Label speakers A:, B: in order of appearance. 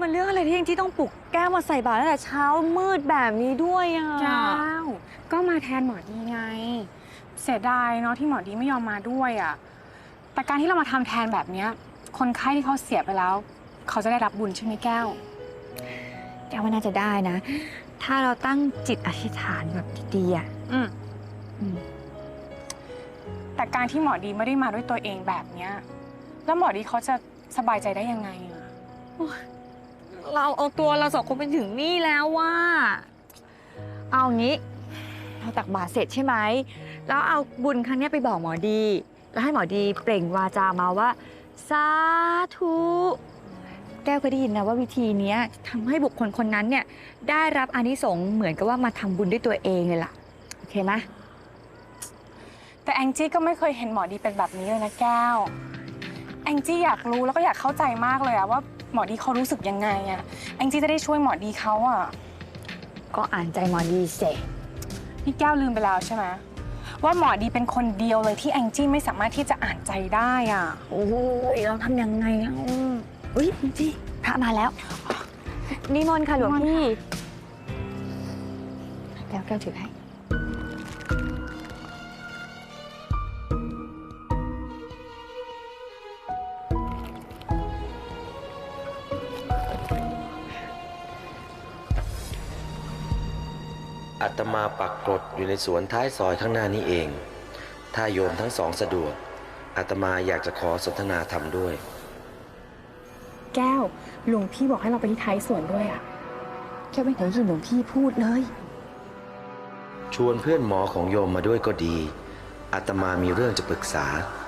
A: มันเรื่องอะไรที่ยังที่ต้องปลุกแก้วมาใส่บาตรตั้งแต่เช้ามืดแบบนี้ด้วยอ่ะ
B: แก้วก็มาแทนหมอดีไงเสียดายเนาะที่หมอดีไม่ยอมมาด้วยอ่ะแต่การที่เรามาทำแทนแบบเนี้ยคนไข้ที่เขาเสียไปแล้ว เขาจะได้รับบุญใช่ไหมแก้ว
A: แก้วว่าน่าจะได้นะ ถ้าเราตั้งจิตอธิษฐานแบบดีๆอ่ะ
B: แต่การที่หมอดีไม่ได้มาด้วยตัวเองแบบเนี้ยแล้วหมอดีเขาจะสบายใจได้ยังไงอ่ะ
A: เราเอาตัวเราสองคนไปถึงนี่แล้วว่าเอางี้เราตักบาตรเสร็จใช่ไหมแล้วเอาบุญครั้งนี้ไปบอกหมอดีแล้วให้หมอดีเปล่งวาจามาว่าสาธุแก้วก็ได้ยินนะว่าวิธีนี้ทำให้บุคคลคนนั้นเนี่ยได้รับอานิสงส์เหมือนกับว่ามาทำบุญด้วยตัวเองเลยล่ะโอเคไหม
B: แต่แองจี้ก็ไม่เคยเห็นหมอดีเป็นแบบนี้เลยนะแก้วแองจี้อยากรู้แล้วก็อยากเข้าใจมากเลยอะว่าหมอดีเขารู้สึกยังไงอะแองจี้จะได้ช่วยหมอดีเขาอะ
A: ก็อ่านใจหมอดีเสร็จ
B: นี่แก้วลืมไปแล้วใช่ไหมว่าหมอดีเป็นคนเดียวเลยที่แองจี้ไม่สามารถที่จะอ่านใจได้อะ
A: โอ้ยเราทำยังไงอ่ะอุ้ยแองจี้พระมาแล้วนิมนต์ค่ะหลวงพี่แก้วถือให้
C: อาตมาปักกรดอยู่ในสวนท้ายซอยข้างหน้านี้เอง ถ้าโยมทั้งสองสะดวกอาตมาอยากจะขอสนทนาธรรมด้วย
B: แก้วหลวงพี่บอกให้เราไปที่ท้ายสวนด้วยอะ
A: แค่ไม่เคยยินหลวงพี่พูดเลย
C: ชวนเพื่อนหมอของโยมมาด้วยก็ดีอาตมามีเรื่องจะปรึกษา